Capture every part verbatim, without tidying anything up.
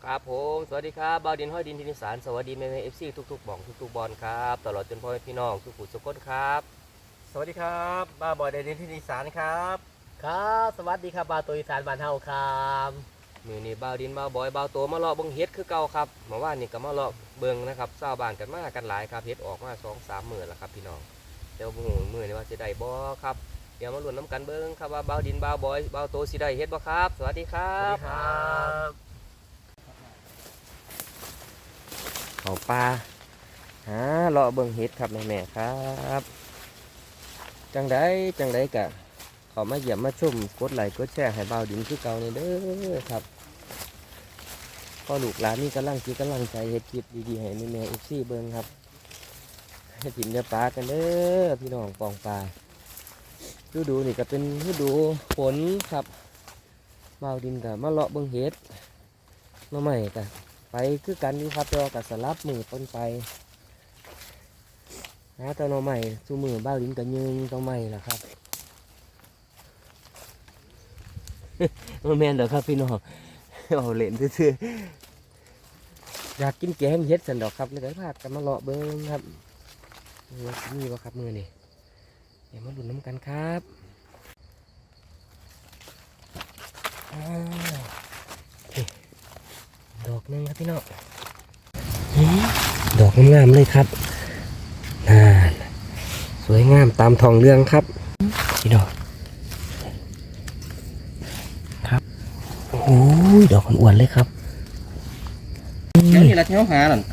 ครับผมสวัสดีครับบ่าวดินห้อยดินทินิสารสวัสดีแม่แม่เอฟซีทุกๆบ่องทุกๆบอลครับตลอดจนพ่อแม่พี่น้องทุกผู้ทุกคนครับสวัสดีครับบ้าบอยเดนินที่อีสานครับครับสวัสดีครับบาวตัวอีสานบ้านเฮาครับมือนี้บ่าวดินบ่าวบอยบ่าวโตมาเลาะเบิ่งเฮ็ดคือเก่าครับเมื่อวานนี้ก็มาเลาะเบิ่งนะครับชาวบ้านกันมากันหลายครับเฮ็ดออกมาสองสามมื้อแล้วครับพี่น้องเดี๋ยวมื้อมื้อนี้ว่าสิได้บ่ครับเดี๋ยวมาลุ้นน้ำกันเบิ่งครับว่าบ่าวดินบ่าวบอยบ่าวโตสิได้เฮ็ดบ่ครับสวัสดีครับเขาปลาหาเลาะเบิ่งเฮ็ดครับแม่ๆครับจังไดจังไดกะเขามาเยี่ยมมาชมกดไลค์กดแชร์ให้บ่าวดินคือเก่านี่เด้อครับก็ลูกหลานนี่กำลังคิดกำลังใจเฮ็ดคลิปดีๆให้แม่ๆ เอฟ ซี เบิ่งครับให้ถิ่นเนื้อปลากันเด้อพี่น้องปองปลาฤดูนี่ก็เป็นฤดูฝนครับบ่าวดินก็มาเลาะเบิ่งเฮ็ดมาใหม่กะไปคือกันนี่ครับเรากับสลับมือต้นไปนะตอนเราใหม่สู้มือบ้าลิ้นกันยืงต้องใหม่ล่ะครับ มาแมนเด้อครับพี่น้องเอาเล่นซื่อๆอยากกินแกงเฮ็ดสันดอกครับเลยพากันมาเลาะเบิ้งครับนี่วะครับมือนี่เดี๋ยวมาดูน้ำกันครับดอกนึงครับพี่น้องดอกงามๆเลยครับน่าสวยงามตามทองเรื่องครับพี่น้องครับโอ้ยดอกอ้วนๆเลยครับนี่แหละที่เขาหาหน่อย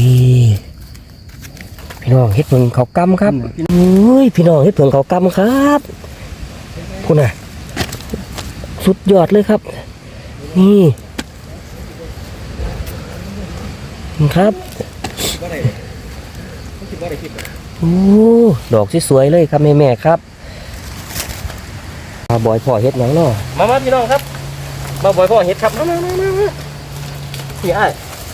พี่น้องเฮ็ดเพิ่งเขากำครับโอ้ยพี่น้องเฮ็ดเพิ่งเขากำครับคุณน่ะสุดยอดเลยครับนี่ครับโอ้ดอกสวยๆเลยครับแม่แม่ครับมาบ่อยพ่อเฮ็ดหนังเนาะมามาพี่น้องครับมาบ่อยพ่อเฮ็ดครับมามามามาพี่ไอ้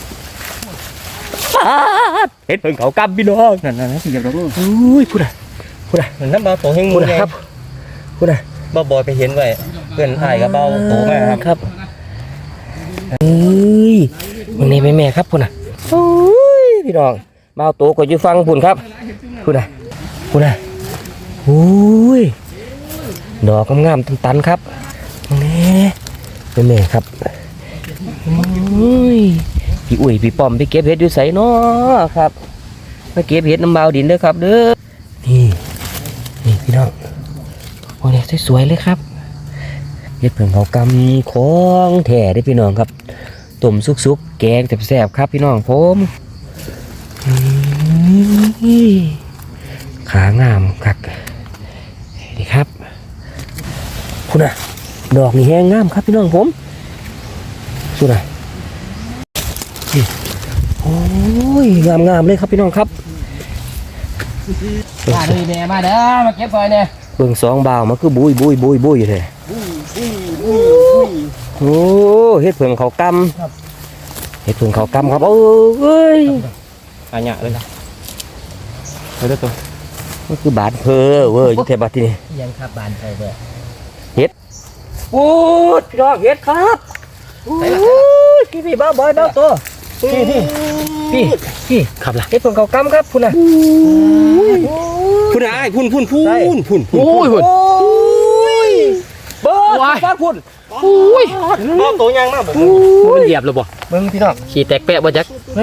เฮ็ดเพิ่งเขากำพี่น้องนั่นนั่นสิเดี๋ยวเราดูอุ้ยพูดอะพูดอะนั่นน้ำเบาโตเฮงพูดครับพูดอะบ้าบอยไปเห็นไว้เพื่อนถ่ายกับเบาโตมากครับครับเอ้ยวันนี้แม่แม่ครับพูดอะโอ้ยพี่น้องเบาโตก็อยู่ฟังพูดครับพูดอะพูดอะโอ้ยดอกงามๆตันๆครับนี่แม่แม่ครับโอ้ยพี่อุ้ยพี่ป้อมพี่เก็บเห็ดอยู่ใส่เนาะครับมาเก็บเห็ดน้ำเบาดินเด้อครับเด้อนี่นี่พี่น้องโอ้ยสวยๆเลยครับเห็ดเพิ่งเขากำของแท้ได้พี่น้องครับต้มซุกๆแกงแซ่บๆครับพี่น้องผมขางามคักดีครับคุณน่ะดอกนี่แห้งงามครับพี่น้องผมสุดอ่ะโอ้ยงามงามเลยครับพี่น้องครับมาเลยแม่มาเด้อมาเก็บซอยเนี่ยเบิ่งสองบ่าวมันคือบุยบุยบุยบุยเลยโอ้เฮ็ดเพิ่งเขากำเฮ็ดเพิ่งเขากำครับโอ้ยอันนี้เลยนะเฮ้ยตัวมันคือบาดเพอเว้ยยุทธบาทที่นี่ยังครับบานเพอเว้ยเฮ็ดโอ้พี่น้องเฮ็ดครับโอ้ยพี่พี่บ้าบอยบ้าตัวพี่พี่พี่พี่ขับละเฮ็ดเพิ่งเขากำครับคุณน่ะพุ่นไอ้พุ่นพุ่นพุ่นพุ่นพุ่นโอ้ยพุ่นเบิ้ลบ้าพุ่นโอ้ยบ้าโตยังมากผมมันเหยียบเลยบ่เบิ้งพี่น้องขี่แตกแปะบ่จัก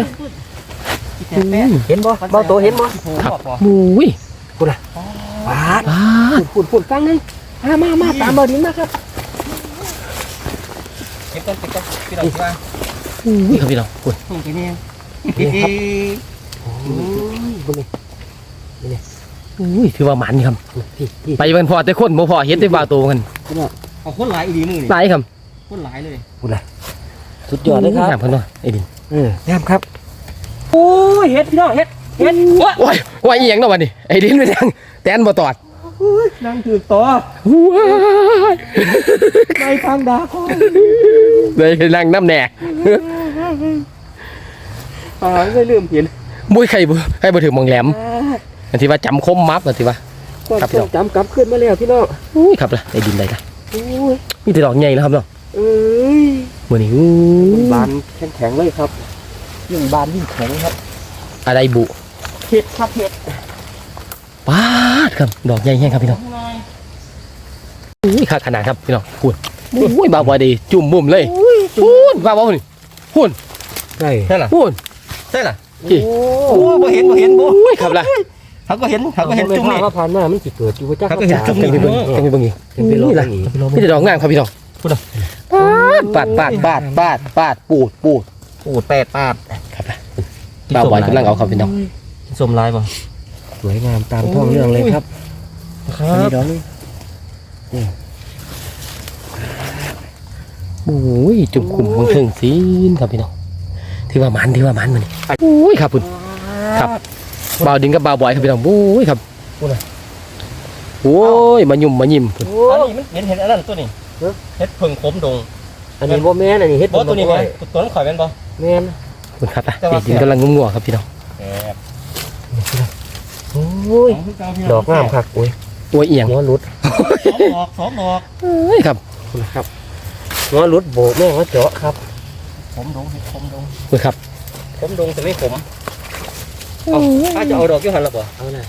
เห็นบ่บ้าโตเห็นบ่ครับอุ้ยพุ่นน่ะบาดพุ่นพุ่นฟังนึงมามามาตามบ่ดินมาครับเก็บต้นเก็บต้นพี่น้องว่าอุ้ยครับพี่น้องพุ่นพุ่นไปเนี่ยครับโอ้ยพุ่นนี่นี่อุ้ยถือว่าหมันครับไปเป็นพอแต่คนบ่พอเห็นแต่บ้าโตกันเอาคนหลายอีดีมือนี่หลายครับคนหลายเลยพุ่นน่ะสุดยอดเลยครับเพิ่นว่าไอ้ดินเอองามครับโอ้ยเฮ็ดพี่น้องเฮ็ดเฮ็ดโอ้ยว่าอีหยังเนาะบัดนี้ไอ้ดินไปทางแตนบ่ตอดนั่งถือต่อว้ายในทางดาคอได้นั่งน้ำแหนกอ่าไม่ลืมเห็นบุ้ยใครบ่ใครบ่ถึงมองแหลมอันที่ว่าจำคมมับอันที่ว่าครับพี่น้องจำกลับขึ้นมาแล้วพี่น้องอุ้ยครับล่ะไอ้ดินได้ละมีแต่ดอกใหญ่แล้วครับเนาะเอ้ยมื้อนี้อู้บานแข็งๆเลยครับยิ่งบานยิ่งแข็งครับอะไรบุเห็ดครับเห็ดปาดครับดอกใหญ่แห้งครับพี่น้องอุ้ยขาขนาดครับพี่น้องพูดอุ้ยบาบอดีจุ่มบุ่มเลยพูดบาบอนี่พูดใช่ใช่ล่ะพูดใช่ล่ะกี่โอ้บ่เห็นบ่เห็นบ่อุ้ยครับล่ะเขาก็เห็นเขาก็เห็นจุ่มนี่ว่าผ่านมามันสิเกิดอยู่จ้าเขาก็เห็นจุ่มจังไปเบิ่งจังไปเบิ่งอีกเป็นไปรอนี่บล่ะนี้มีแต่ดอกงามครับพี่น้องพูดอ่ะปาดปาดปาดปาดปาดปูดปูดปูดแปดปาดครับล่ะบาบอยกำลังเอาครับพี่น้องสมลายบ่สวยงามตามท้องเรื่องเลยครับครัอันนี้บดอกนี้โอ้ยจุ่มคุ่มเบิ่งถึงซีนครับพี่น้องที่ว่ามันที่ว่ามันมันนี่อุ้ยครับคุณครับบ่าวดินกับบ่าวบอยครับพี่น้องโอ้ยครับโอ้ยมายุ่มมายิ้มอันนี้มันเห็นเห็นอันนั้นตัวนี้เห็ดเพิ่งขมดงอันนี้บ่แม่นอันนี้เฮ็ดบ่ตัวนี้แม่ตัวนั้นข่อยแม่นบ่แม่นคุณครับอ่ะดินกำลังงงๆครับพี่น้องแอบโอ้ยดอกงามคักโอ้ยโอ้ยเอียงหัวหลุดสองดอกสองดอกเอ้ยครับครับหัวหลุดโบกแม่งว่าเจาะครับขมดงเห็ดขมดงคุณครับขมดงแต่ไม่ขมเอาถ้าจะเอาดอกอยู่หั่นล่ะบ่เอาหน่อย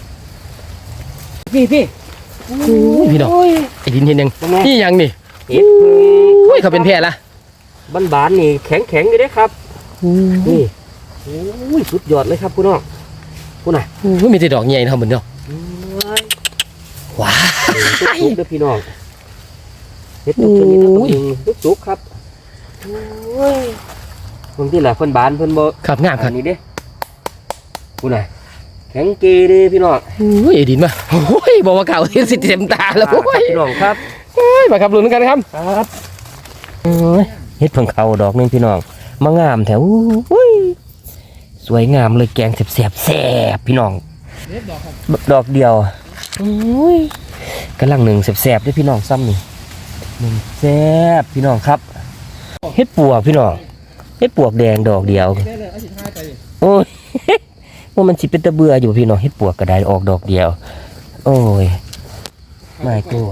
พี่พี่โอ้ยพี่น้องไอ้ดินเห็นยังเป็นไงนี่ยังนี่เฮ็ดโอ้ยเขาเป็นแพร่ละบ้านบานๆนี่แข็งแข็งๆอยู่เด้ครับนี่โอ้ยสุดยอดเลยครับคุณน้องคุณน่ะโอ้ยมีแต่ดอกใหญ่นะครับเหมือนเนาะโอ้ยว้าจุกๆเด้อพี่น้องเฮ็ดจุกชนิดต้องยิงจุกๆครับโอ้ยบางทีล่ะเพิ่นบานเพิ่นบ่ครับงามคอัรับนนี้เด้คุณน่ะแข็งเกเด้พี่น้องโอ้ยไอ้ดินมาโอ้ยบอกว่าเก่าเห็นสิเต็มตาแล้วโอ้ยพี่น้องครับโอ้ยมาครับลุ้นกันครับครับโอ้ยเฮ็ดเพิ่งเขาดอกหนึงพี่น้องมางามแถวอุ้ยสวยงามเลยแกงแซ่บๆแซ่บพี่น้องดอกเดียวโอ้ยกำลังหนึ่งแซ่บๆด้วยพี่น้องซ้ำนี่หนึ่งแซ่บพี่น้องครับเฮ็ดปวกพี่น้องเฮ็ดปวกแดงดอกเดียวโอ้ย ว่ามันสิเป็นตะเบื่ออยู่พี่น้องเฮ็ดปวกกระไดออกดอกเดียว โอ้ยไม่ตัว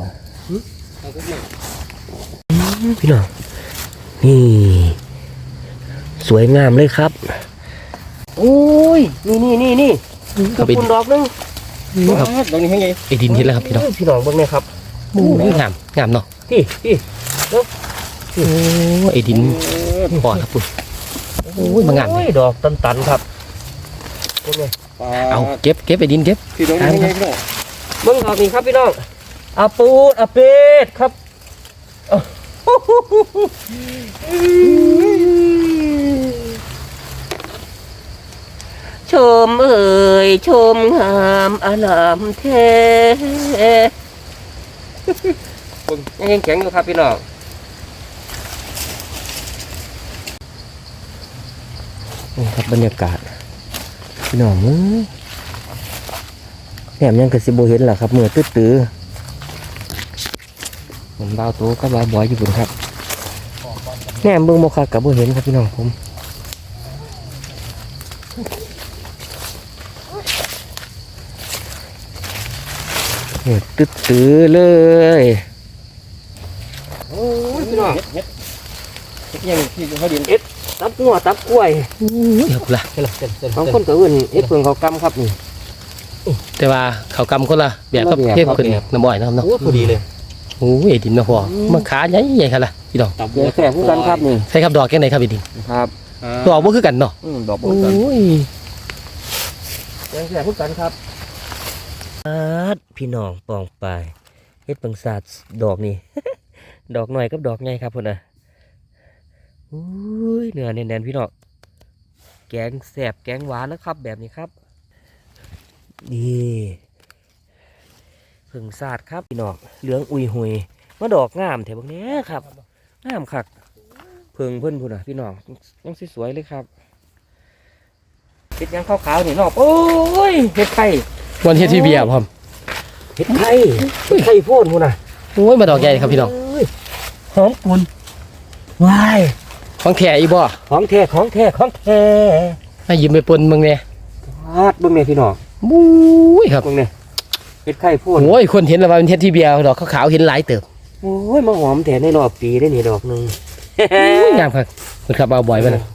พี่น้องนี่สวยงามเลยครับโอ้ยนี่นี่นี่นี่ครับไอ้คุณดอกหนึงครับดอกนี้ให้ไงไอ้ดินเห็นแล้วครับพี่น้องพี่น้องเบิ่งเนี่ยครับโอ้ยงามงามเนาะพี่พี่โอ้ยไอ้ดินปอดครับคุณโอ้ยมางามโอ้ยดอกตันๆครับเบิ่งเนี่ยเอาเก็บเก็บไอ้ดินเก็บพี่ดอกนี้ให้ไงพี่น้องเบิ่งดอกนี้ครับพี่น้องอาปูดอาเป็ดครับ ชมเอ่ยชมงามอลามเทยังแข็งอยู่ครับพี่น้องนี่ครับบรรยากาศพี่น้องเอ้ยแหมยังกระสิบโบเห็นเหรอครับเมื่อตื้อๆผมเบาโตก็เบาบ่อยอยู่บุญครับแหนมเบิ่งโมคากับโบเห็นครับพี่น้องผมเนี่ยตื้อๆเลยโอ้ยพี่น้องเฮ็ดเฮ็ดยังที่เขาดินตับหัวตับกล้วยโอ้ยเอาละเฮ็ดละเส้นเส้นบางคนก็เอื่นเฮ็ดเพิ่งเขากำครับนี่แต่ว่าเขากำคนละแบบกับแบบเทพขึ้นน้ำอ้อยนะครับเนาะโอ้พอดีเลยโอ้ยไอ้ดินมาพอมันขาใหญ่ใหญ่ครับล่ะพี่น้องตับเดี๋ยวแสบคู่กันครับนี่ใช่ครับดอกแค่ไหนครับไอ้ดินครับดอกบ่คือกันเนาะอืมดอกโอ้บัวกันยเดี๋ยวแสบคู่กันครับพี่น้องปองปลายเฮ็ดเพิ่งศาสตร์ดอกนี่ ดอกหน่อยกับดอกใหญ่ครับพุ่นน่ะอุ้ยเนื้อแน่นๆพี่น้องแกงแสบแกงหวานนะครับ แบบนี้ครับดีเพิ่งศาสตร์ครับพี่น้องเหลืองอุยหุยมาดอกงามแถวบางนี้ครับงามคักเพิ่งเพิ่นพุ่นน่ะพี่น้องยังสวยๆเลยครับเฮ็ดหยังขาวๆนี่น้องโอ้ยเฮ็ดไข่วันเฮ็ดที่เบียร์พร้อมเฮ็ดไข่เฮ็ดไข่โพดพุ่นน่ะโอ้ยมาดอกใหญ่ครับพี่น้องเอ้ยหอมปุ่นวายของแท้อีบ่ของแท้ของแท้ของแท้ให้ยืมไปปนมึงเนี่ยวาดเบิ่งเนี่ยพี่น้องบุ้ยครับเบิ่งเนี่ยเฮ็ดไข่โพดโอ้ยคนเห็นแล้วว่าเป็นเฮ็ดที่เบียร์ดอกขาวๆเห็นหลายเติบโอ้ยมาหอมแท้ในรอบปีได้นี่ดอกหนึงอุ้ยงามครับคุณครับบ่าวบ่อยไปนะ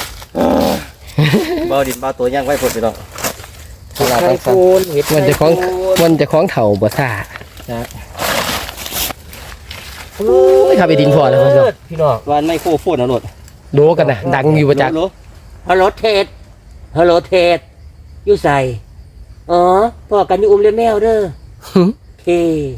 เบาดินเบาตัวย่างไว้ผลพี่น้องไข่ปูนเห็ดมันจะคล้องมันจะคล้องเถ่าบ่ซ่าโอ้ยครับไอ้ดินพอแล้วพี่น้องพี่น้องวันไม่โคโฟนเอาโหลดโดกันนะดังอยู่ประจักษ์โหลฮัลโหลเทศฮัลโหลเทศอยู่ใส่อ๋อพ่อกันอยู่อุ้มเลี้ยงแมวเด้อหึโอเค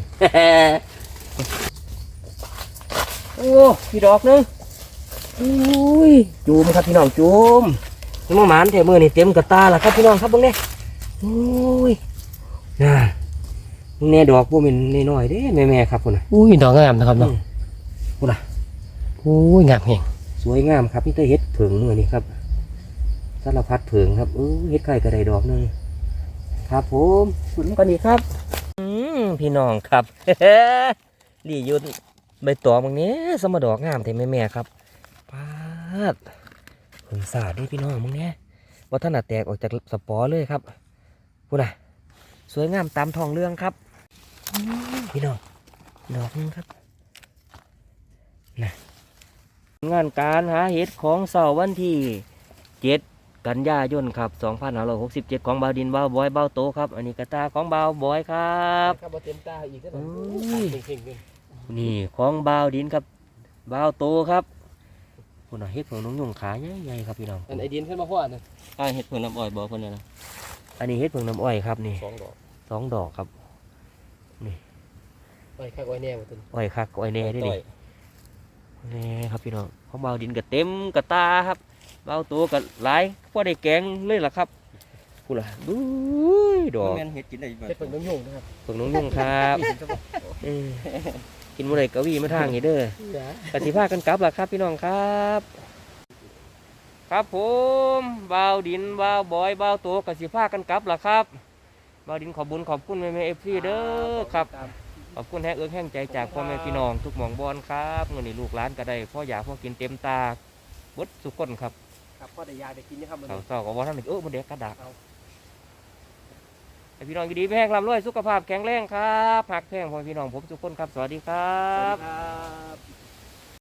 โอ้พี่ดอกนึงอุ้ยจูมครับพี่น้องจูมนี่มาหมานแถมือนี่เต็มกระตาแล้วครับพี่น้องครับเบิ่งเนี่ยโอ้ยน่าแน่ดอกพวกมันน้อยๆเด้แม่ๆครับพุ่นน่ะอุ้ยดอกงามนะครับเนาะพุ่นน่ะอุ้ยงามแห่งสวยงามครับนี่เตอเฮ็ดเผิงมือนี่ครับสารพัดเผิงครับเออเฮ็ดไข่กระไดดอกหนึงครับผมฝุ่นกันนี่ครับอืมพี่น้องครับ ลี่ยุนใบตองบางนี้สมดอกงามแต่แม่ๆครับปาดผึ่งสาดนี่พี่น้องบางนี้ว่าท่านแตกออกจากสปอร์เลยครับพูดน่ะสวยงามตามทองเรื่องครับอืมพี่น้องดอกนึงครับน่ะงานการหาเห็ดของเสาร์วันที่เจ็ดกันยายนครับสองพันห้าร้อยหกสิบเจ็ดของบาวดินบาวบอยบาวโตครับอันนี้กระตาของบาวบอยครับครับบ่เต็มตาอีกแล้วอุ้ยเก่งๆเลยนี่ของบาวดินครับบาวโตครับคุณน่ะเห็ดของน้องยงขาใหญ่ๆครับพี่น้องอันไอ้ดินขึ้นมาพ่อนะตายเห็ดเพิ่นน้ำอ้อยบอกเพิ่นเลยนะอันนี้เห็ดเพิ่งน้ำอ้อยครับนี่สองดอกสองดอกครับไอ้ข้างไว้แน่หมดตัวอ้อยคักอ้อยแน่ด้วยต่นี่อยแน่ครับพี่น้องของบาวดินกับเต็มกระตาครับบาวโตกับหลายพอได้แกงเลยล่ะครับคุณล่ะดูดอกแม่นเห็ดกินได้บ่เฮ็ดเป็นน้ำยุ่งนะครับเพิ่งน้องยงครับเออกินมื้อใดกะวีมาทางนี้เด้อ กสิภากันกลับล่ะครับพี่น้องครับ ครับผมบาวดินบาวบอยบาวโตกสิภากันกลับล่ะครับบาวดินขอบบุญขอบคุณแม่แม่เอฟซีเด้อครับขอบคุณแห้งเอื้อแห้งใจจากพ่อแม่พี่น้องทุกหม่องบอนครับเงินนี่ลูกหลานก็ได้พ่ออยากพ่อกินเต็มตาบดสุกคนครับครับพ่อได้ยาได้กินนะครับมันเขาเศร้ากับว่าท่านเออมันเด็กกระดากให้พี่น้องอยู่ดีไม่แห้งร่ำรวยสุขภาพแข็งแรงครับหักแพงพ่อแม่พี่น้องผมทุกคนครับสวัสดีครับครับ